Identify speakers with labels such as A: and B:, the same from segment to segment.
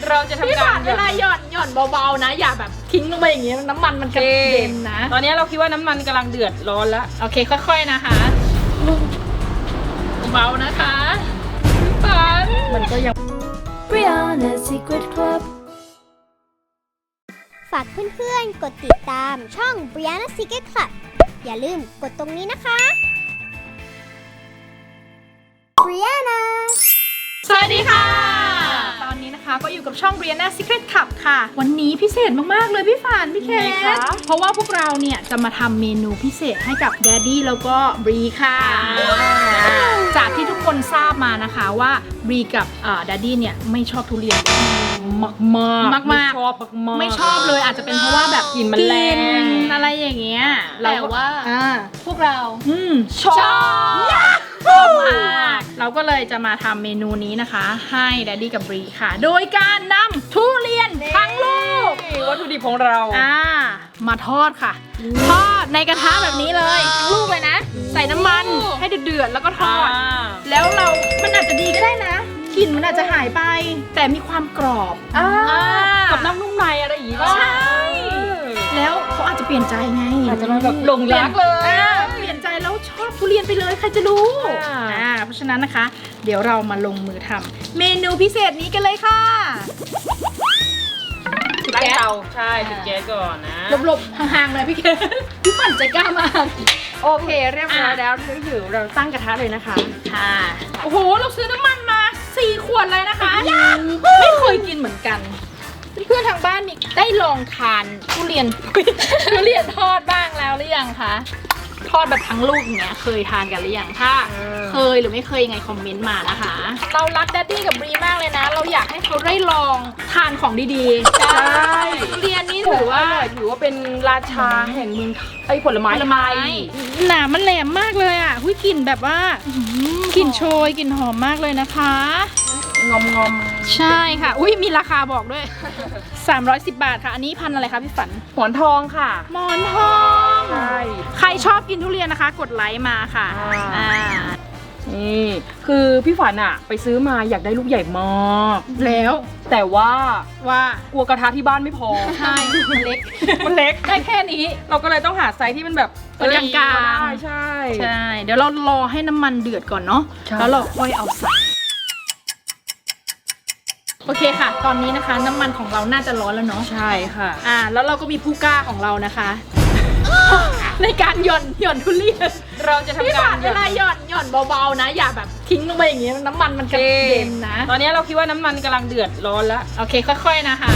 A: เราจะทำการ
B: เวลาหย่อนเบาๆนะอย่าแบบทิ้งลงไปอย่างงี้น้ำมันมันกระเด็นนะ
A: ตอนนี้เราคิดว่าน้ำมันกำลังเดือดร้อนแล้ว
B: โอเคค่อยๆนะคะเบาๆนะคะฝัน
A: มันก็ยัง
C: Brianna Secret Club
D: ฝากเพื่อนๆ กดติดตามช่อง Brianna Secret Club อย่าลืมกดตรงนี้นะคะ Brianna
B: สวัสดีค่ะตอนนี้นะคะก็อยู่กับช่อง Brianna Secret Club ค่ะวันนี้พิเศษมากๆเลยพี่ฝันพี่เคสเพราะว่าพวกเราเนี่ยจะมาทำเมนูพิเศษให้กับแดดดี้แล้วก็บรีค่ะจากที่ทุกคนทราบมานะคะว่าบรีกับแดดดี้เนี่ยไม่ชอบทุเรียนมาก
A: ไม่ชอบมาก
B: ไม่ชอบเลยอาจจะเป็นเพราะว่าแบบ
A: กลิ่นมันแรง
B: อะไรอย่างเงี้ย
C: แต่ว่าพวกเรา
B: ชอบมากเราก็เลยจะมาทำเมนูนี้นะคะให้แดดดี้กับบรีค่ะโดยการนำทุเรียนทั้งลูก
A: วัตถุดิบของเรา
B: มาทอดค่ะทอดในกระทะแบบนี้เลยทั้งลูกเลยนะ ใส่น้ำมันให้เดือดๆแล้วก็ทอด แล้วมันอาจจะดีก็ได้นะกลิ่นมันอาจจะหายไป แต่มีความกรอบ
A: กับน้ำนุ่มในอะไรอย่างงี้
B: ใช่แล้วเขาอาจจะเปลี่ยนใจไง
A: อาจจะมาแบบหลงรักเลย
B: เปลี่ยนใจแล้วชอบทุเรียนไปเลยใครจะรู้เพราะฉะนั้นนะคะ เดี๋ยวเรามาลงมือทำเมนูพิเศษนี้กันเลยค่ะ
A: ตั้งเตาใช่ติดแก๊สก่อนนะ
B: หลบๆห่างๆเลยพี่เกดพี่ปั่นใจกล้ามาก
A: โอเคเรียบร้อยแล้วถือเราตั้งกระทะเลยนะคะ
B: ค่ะโอ้โหเราซื้อน้ำมันมา4 ขวดเลยนะคะไม่เคยกินเหมือนกันเพื่อนๆทางบ้านมีได้ลองทานทุเรียน ทุเรียนทอดบ้างแล้วหรือยังคะทอดแบบทั้งลูกอย่างเงี้ยเคยทานกันหรือยังถ้าเคยหรือไม่เคยยังไงคอมเมนต์มานะคะเรารักแดดดี้กับบรีมากเลยนะเราอยากให้เขาได้ลองทานของดีๆใช่ทุเรียนนี่ถือว่า
A: เป็นราชาแห่งเมืองไอ้ผลไม้ไทย
B: หนามันแหลมมากเลยอ่ะหุ้ยกลิ่นแบบว่ากลิ่นโชยกลิ่นหอมมากเลยนะคะ
A: งอม
B: ใช่ค่ะอุ้ยมีราคาบอกด้วย 310 บาทค่ะอันนี้พันอะไรคะพี่ฝัน
A: หมอนทองค่ะ
B: หมอนทอง
A: ใช่
B: ใครชอบกินทุเรียนนะคะ กดไลค์มาค่ะ
A: นี่คือพี่ฝันอะไปซื้อมาอยากได้ลูกใหญ่มาก
B: แล้ว
A: แต่ว่ากลัวกระทะที่บ้านไม่พอ
B: ใช่มันเล็ก
A: มันเล็ก
B: ได้แค่นี้
A: เราก็เลยต้องหาไซส์ที่มันแบบ
B: กลางๆ
A: ใช่
B: ใช่เดี๋ยวเรารอให้น้ำมันเดือดก่อนเนาะแล้วเราค่อยเอาใส่โอเคค่ะตอนนี้นะคะน้ำมันของเราน่าจะร้อนแล้วเนาะ
A: ใช่ค่ะ
B: แล้วเราก็มีผู้กล้าของเรานะคะ ในการหย่อนทุเรียน
A: เราจะทำการ
B: เวลาหย่อนเบาๆนะอย่าแบบทิ้งลงไปอย่างงี้น้ำมันมันกระเด็นนะ
A: ตอนนี้เราคิดว่าน้ำมันกำลังเดือดร้อนแล้ว
B: โอเคค่อยๆนะคะ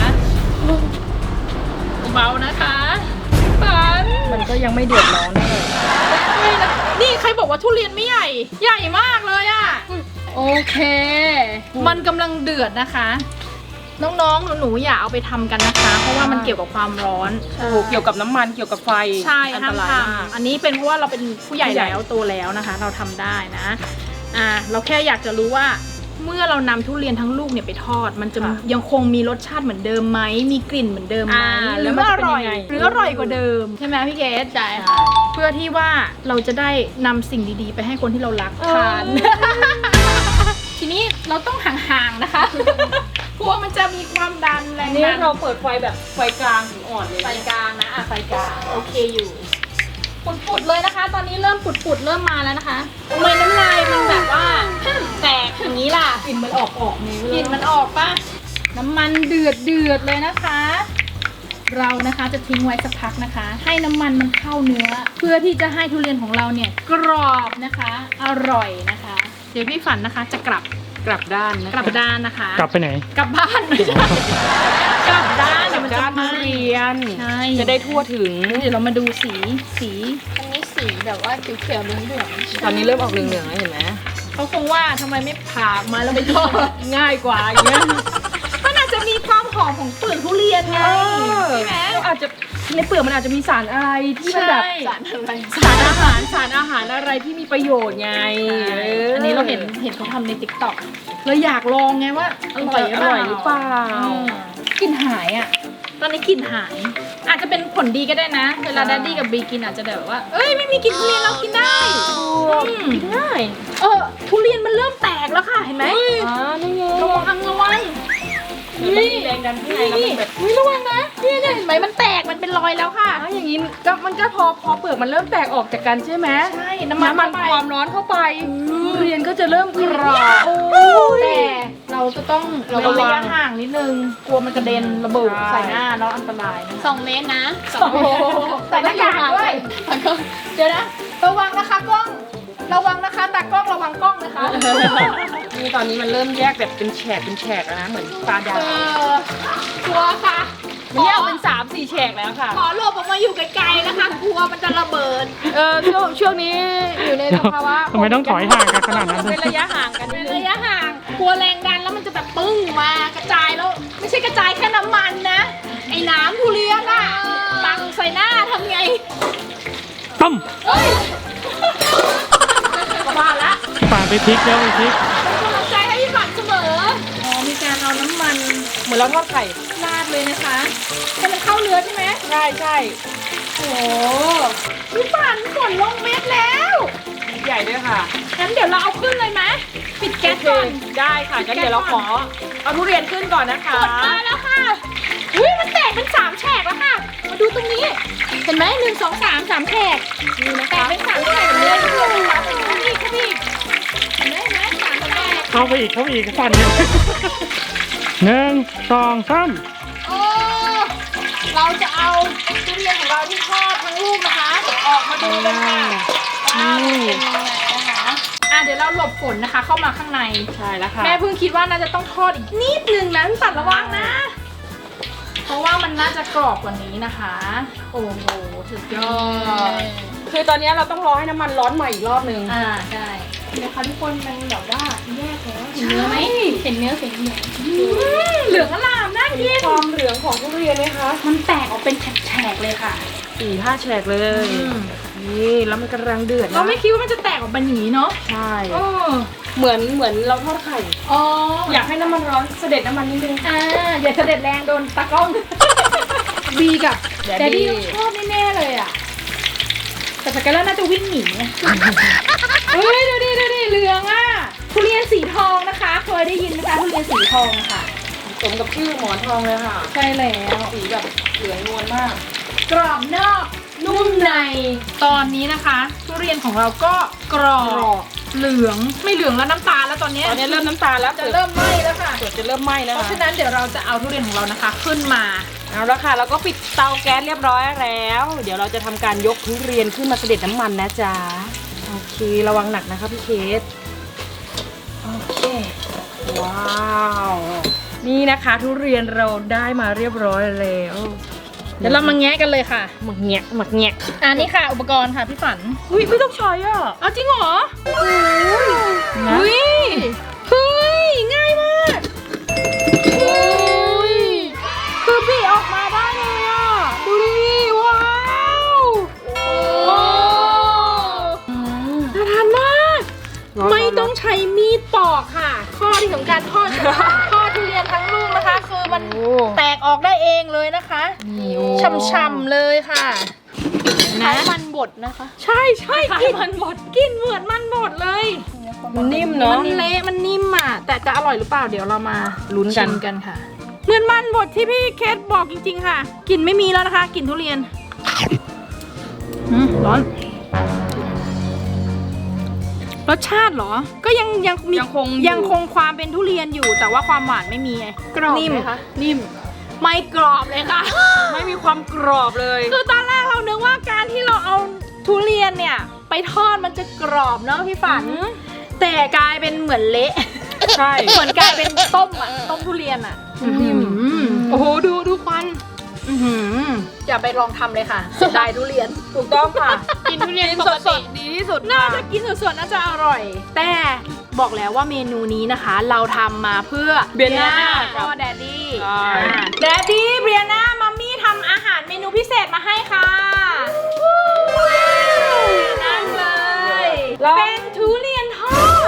B: เบานะคะฝัน
A: มันก็ยังไม่เดือดร้อน
B: เลยนี่ใครบอกว่าทุเรียนไม่ใหญ่มากเลยอะโอเคมันกำลังเดือดนะคะน้องๆหนูๆอย่าเอาไปทำกันนะคะเพราะว่ามันเกี่ยวกับความร้อน
A: เกี่ยวกับน้ำมันเกี่ยวกับไฟ
B: ใช่
A: อันตรายมาก
B: อันนี้เป็นเพราะว่าเราเป็นผู้ใหญ่แล้วโตแล้วนะคะเราทำได้นะเราแค่อยากจะรู้ว่าเมื่อเรานำทุเรียนทั้งลูกเนี่ยไปทอดมันจะยังคงมีรสชาติเหมือนเดิมไหมมีกลิ่นเหมือนเดิมไหมหรือว่าอร่อยหรืออร่อยกว่าเดิมใช่ไหมพี่เกดใช่เพื่อที่ว่าเราจะได้นำสิ่งดีๆไปให้คนที่เรารักทานทีนี้เราต้องห่างๆนะคะกลัวมันจะมีความดันแรง
A: นี่เราเปิดไฟแบบไฟกลางถึงอ่อนเลย
B: ไฟกลางนะไฟกลางโอเคอยู่ปุดๆเลยนะคะ ตอนนี้เริ่มปุดๆเริ่มมาแล้วนะคะทำไมน้ำลายมันแบบว่าแตกอย่างนี้ล่ะ
A: กลิ่นมันออกนี่
B: กลิ่นมันออกป่ะน้ำมันเดือดเลยนะคะ เรานะคะจะทิ้งไว้สักพักนะคะ ให้น้ำมันมันเข้าเนื้อเพื่อที่จะให้ทุเรียนของเราเนี่ยกรอบนะคะอร่อยนะคะเดี๋ยวพี่ฝันนะคะจะกลับ
A: ด้าน
B: กลับด้านนะคะ
E: กลับไปไหน
B: กลับบ้านไม่ใช่กลับด้านเดี๋ยวมันจะ
A: ทุเรียน
B: ใช่
A: จะได้ทั่วถึง
B: เดี๋ยวเรามาดูสี
C: อันนี้สีแบบว่าเขียวๆเหลือง
A: ตอนนี้เริ่มออกเหลืองๆแล้วเห็นไหม
B: เขาคงว่าทำไมไม่ผ่ามาแล้วไปทอดง่ายกว่าอย่างเงี้ยมันอาจจะมีความหอมของเปลือกทุเรียนไงใช่ไหม
A: อาจจะในเปลือกมันอาจจะมีสารอะไรที่มันแบบ
B: สารอะไร
A: สารอาหารอะไรที่มีประโยชน์ไง
B: อันนี้เราเห็นเขาทำใน TikTok เลยอยากลองไงว่าอร่อย
A: หรือเปล่าก
B: ลิ่นหายอ่ะตอนนี้กลิ่นหายอาจจะเป็นผลดีก็ได้นะเวลาแดดดี้กับบรีกินอาจจะแบบว่าไม่มีกลิ่นทุเรียนเรากินได้
A: กินง่าย
B: ทุเรียนมันเริ่มแตกแล้วค่ะเห็นไหม
A: นี่ไง
B: ระวัง
A: มันมีแรงดันข้างในแล้วมันแบบ
B: ระวังนะเนี่ยเห็นไหมมันแตกมันเป็นรอยแล้วค่ะ
A: อย่างนี้ก็มันก็พอเปลือกมันเริ่มแตกออกจากกันใช่ไหม
B: ใช่น้ำมัน
A: ความร้อนเข้าไปทุเรียนก็จะเริ่มกรอบ
B: แต่เราจะต้องระวังห่างนิดนึงกลัวมันกระเด็นระเบิดใส่หน้าแล้วอันตรายนะ
C: 2 เมตรนะ
B: ใส่หน้ากากด้วย เดี๋ยวนะระวังนะคะกล้องระวังนะคะตากล้องระวังกล้องนะคะ
A: นี่ตอนนี้มันเริ่มแยกแบบเป็นแฉกแล้วนะเหมือนปลาดาว
B: กลัวค่ะ
A: มันแยกเป็น3-4แฉกแล้วค่ะ
B: ขอหลบออกมาอยู่ไกลๆนะคะกลัวมันจะระเบิด
A: ช่วงนี้อยู่ในสภาวะ
E: ทำไมต้องถอยห่างกันขนาดนั้น
A: เป็นระยะห่างกันนิดนึ
B: ระ
A: ง
B: ยะห่างกลัวแรงดันแล้วมันจะแบบปึ้งมากระจายแล้วไม่ใช่กระจายแค่น้ำมันนะไอ้น้ำทุเรียนอะปังใส่หน้าทำไง
E: ต้ม
B: เฮ้ยมาละ
E: ป่าไปพลิกแล้วไปพลิก
B: เป็นกำลังใจให้พี่ฝันเสมออ๋อมีการเอาน้ำมัน
A: เหมือนเราทอดไข่
B: ราดเลยนะคะให้มันเข้าเนื้อใช่ไหม
A: ใช่
B: โอ้พี่ฝันฝนลงเม็ดแล้ว
A: ใหญ่ด้วยค่ะ
B: งั้นเดี๋ยวเราเอาขึ้นเลยไหมปิดแก๊สก่อน
A: ได้ค่ะงั้นเดี๋ยวเราขอเอาทุเรียนขึ้นก่อนนะคะ
B: กดมาแล้วค่ะอุ้ยมันแตกเป็น3แฉกแล้วค่ะ มาดูตรงนี้ เห็นไหม1 2 3 3แฉก
A: นี่นะ
B: แต
A: คะ
B: กเป็น3แฉกเลยทุกคนนะคะเข้าไปอีกเห็นไหม3แฉก
E: เข้าไปอีกสั่นเลย1 2 3
B: โอ้เราจะเอาทุเรียนของเราที่ทอดทั้งลูกนะคะ ออกมาดูกันค่ะว่ามันเป็นยังไงนะคะเดี๋ยวเราหลบฝนนะคะ เข้ามาข้างใน
A: ใช่แล้วค่ะ
B: แม่เพิ่งคิดว่าน่าจะต้องทอดอีกนิดนึงนะพี่ปัดระวังนะ เพราะว่ามันน่าจะกรอบกว่านี้นะคะ โอ้โหสุดยอด
A: คือตอนนี้เราต้องรอให้น้ำมันร้อนใหม่อีกรอบนึง
B: ใช่นะคะทุกคนมันแบบว่าแยกแล้วเห็นเนื้อไหมเห็นเนื้อเหลืองอลามน่ากิน
A: ความเหลืองของทุเรียนไหมคะ
B: มันแตกออกเป็นแฉกๆเลยค่ะ
A: 4-5แฉกเลย นี่แล้วมันกำลังเดือดนะ
B: เราไม่คิดว่ามันจะแตกออกเป็นอย่างนี้เนาะ
A: ใช่
B: โอ้
A: เหมือนเราทอดไข่
B: อ๋อ
A: อยากให้น้ำมันร้อนเสด็จน้ำมันนิดนึง
B: อย่าเสด็จแรงโดนตากล้อง บีกับ
A: แดด
B: แดด
A: ดี้
B: ดี้ต้องชอบแน่ๆเลยอ่ะ แต่สกายเลอร์น่าจะวิ่งหนีอะ เฮ้ยดูดิเหลืองอ่ะทุเรียนสีทองนะคะ เคยได้ยินไหมคะทุเรียนสีทองค่ะ
A: สมกับชื่อหมอนทองเลยค่ะ
B: ใช่แล้ว
A: สีแบบเหลืองนวลมาก
B: กรอบนอกนุ่มใน ตอนนี้นะคะ ทุเรียนของเราก็กรอบเหลืองไม่เหลืองแล้วน้ำตาลแล้วตอนนี้
A: ตอนนี้เริ่มน้ำตาลแล้ว
B: จะเริ่มไหม้แล้วค่ะ
A: เปลือกจะเริ่มไหม้แล้ว
B: เพราะ
A: ค่ะ
B: ฉะนั้นเดี๋ยวเราจะเอาทุเรียนของเรานะคะ ขึ้นมา
A: เอาละค่ะเราก็ปิดเตาแก๊สเรียบร้อยแล้ว เดี๋ยวเราจะทำการยกทุเรียนขึ้นมาเสด็จน้ำมันนะจ๊ะโอเคระวังหนักนะคะพี่เคสโอเคว้าวนี่นะคะทุเรียนเราได้มาเรียบร้อยแล้ว
B: เดี๋ยวเรามาแงะกันเลยค่ะ
A: หมักแงะ
B: อันนี้ค่ะ อุปกรณ์ค่ะพี่ฝัน
A: อุ้ยไม่ต้องใช้อ่ะ
B: เอาจริงเหรอ
A: นะ
B: เฮ้ยเฮ้ยง่ายมากเฮ้ยคือบีออกมาได้เลยอ่ะดูดิว้าวโอ้น่าทานมาก ไม่ต้องใช้มีดปอกค่ะ ข้อดีของการทอดทุเรียนทั้งลูกนะคะ คือมัน
A: โอ้
B: แตกออกได้เองเลยนะคะ
A: นี่โอ้
B: ช่ำๆเลยค่ะ
C: ใช้มันบดนะคะ
B: ใช่กลิ่นมันบดกลิ่นเหมือนมันบดเลย
A: มันนิ่มเนาะ
B: มันเละมันนิ่มอ่ะ แต่จะอร่อยหรือเปล่าเดี๋ยวเรามา
A: ลุ้นกัน
B: ชิมกันค่ะ เหมือนมันบดที่พี่เคสบอกจริงๆค่ะกลิ่นไม่มีแล้วนะคะกลิ่นทุเรียนร้อนรสชาติเหรอ ก็ยังมี
A: ยังคงอยู่
B: ยังคงความเป็นทุเรียนอยู่ แต่ว่าความหวานไม่มีไง
C: กรอบ
B: นิ่ม
C: ไหมคะ
B: นิ่มไม่กรอบเลยค่ะ
A: ไม่มีความกรอบเลย
B: คือตอนแรกเรานึกว่าการที่เราเอาทุเรียนเนี่ย ไปทอดมันจะกรอบเนาะพี่ฝัน แต่กลายเป็นเหมือนเละ
A: ใช่
B: เหมือนกลายเป็นต้มอ่ะต้มทุเรียนอ่ะโอ้โหดูควันอย่าไปลองทำเลยค่ะเสียดายทุเรียน
A: ถูกต้องค่ะ
C: กินทุเรียนป
A: ส
C: กติ
A: ดๆดีที่สุด
B: น่า
A: ค่ะ
B: จะกินสดๆน่าจะอร่อย แต่บอกแล้วว่าเมนูนี้นะคะ เราทำมาเพื่อ
A: เบียน่า
B: ก็แดดดี้
A: ใช่
B: แดดดี้เบียน่ามัมมี่ทำอาหารเมนูพิเศษมาให้ค่ะนั่งเลย เป็นทุเรียนทอด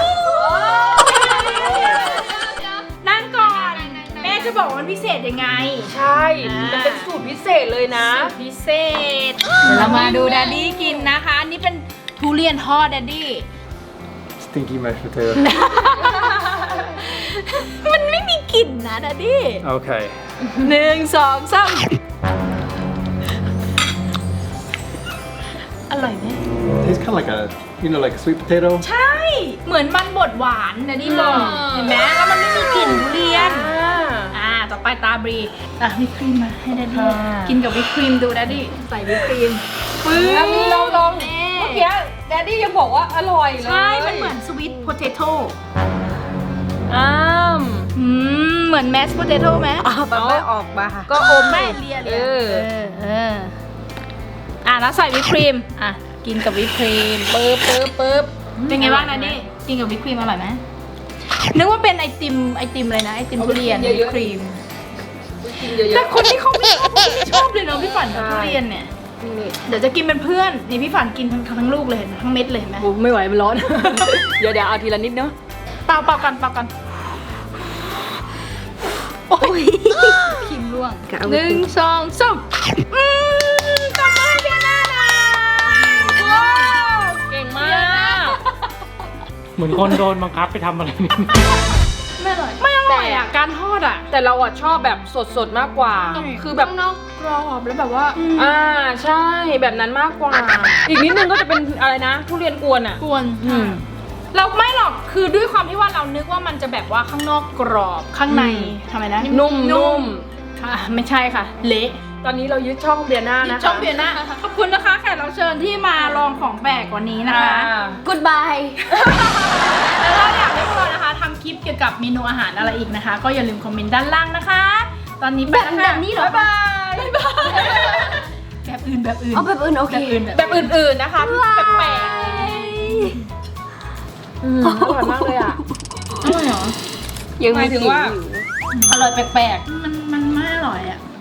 B: นั่งก่อนแม่จะบอกว่ามันพิเศษยังไง
A: ใช่ มันเป็นสูตรพิเศษเลยนะ
B: พิเศษเรามาดูแดดดี้กินนะคะ อันนี้เป็นทุเรียนทอดแดดดี้
E: Stinky mashed potato
B: มันไม่มีกลิ่นนะดัดดี้
E: Okay.
B: 1 2 3อร่อยไหม
F: Tastes kind of like a, like a sweet potato.
B: ใช่ เหมือนมันบดหวานดัดดี้บอกเห็นไหมแล้วมันไม่มีกลิ่นทุเรียน ต่อไปตาบรีวิปครีมมาให้ดัดดี้กินกับวิปครีมดูดัดดี้ใส่วิปครีมปึ๊บ
A: เราลองเมื่อกี้แดดดี้ยังบอกว่าอร่อยเลย
B: ใช่ มันเหมือนสวีทโพเตโต้ เหมือนแมสโพเตโต้ไหม
A: แบบไม่ออกมาก็อม
B: ไม่เลียแล้วใส่วิปครีมกินกับวิปครีมปึ๊บเป็นไงบ้างนะนี่กินกับวิปครีมอร่อยไหมนึกว่าเป็นไอติมอะไรนะไอติมทุเรียนวิปครีม
A: กินเยอะ
B: แต่คนที่เขาไม่ชอบเลยเนาะพี่ฝันกับทุเรียนเนี่ย เดี๋ยวจะกินเป็นเพื่อนนี่พี่ฝันกินทั้งลูกเลยเห็นไหมทั้งเม็ดเลยเห็นไหม
A: ไม่ไหวมันร้อน เดี๋ยวเอาทีละนิดเนาะ
B: เปล่ากันโอ้ยพิมพ์ร่วง1 2 3ตบมือให้เบียร์หน้านะว้าว
A: เก่งมาก
E: เหมือนคนโดนบังคับไปทำอะไรนี่
B: ไม่อร่อยไม่อร่อยอ่ะการทอดอ่ะ
A: แต่เราอะชอบแบบสดๆมากกว่า คือแบบ
C: ข้างนอกกรอบแล้วแบบว่า
A: ใช่แบบนั้นมากกว่า อีกนิดนึงก็จะเป็นอะไรนะ ทุเรียนกวนอะ
B: กวนเราไม่หรอกคือด้วยความที่ว่าเรานึกว่ามันจะแบบว่าข้างนอกกรอบข้างในทำไมนะ
A: นุ่ม
B: ค่ะไม่ใช่ค่ะ เละ
A: ตอนนี้เรายึดช่องเบียร์หน้านะคะ
B: ช่องเบียร์นะขอบคุณนะคะแขกรับเชิญที่มาลองของแปลกวันนี้นะคะ
C: Goodbye
B: แล้วถ้าอยากให้พวกเรานะคะทำคลิปเกี่ยวกับเมนูอาหารอะไรอีกนะคะ ก็อย่าลืมคอมเมนต์ด้านล่างนะคะ ตอนนี้ไปแล้วค่ะ
C: แบบนี้เหรอ
B: บ๊ายบายแบบอื่น
C: เอาแบบอื่นโอเค
A: แบบอื่นๆนะคะที่แปลกๆอร่อยมากเลยอะ
B: อร่อยเหรอ
A: หมายถึงว่า
B: อร่อยแปลกๆมันไม่อร่อยอ่ะ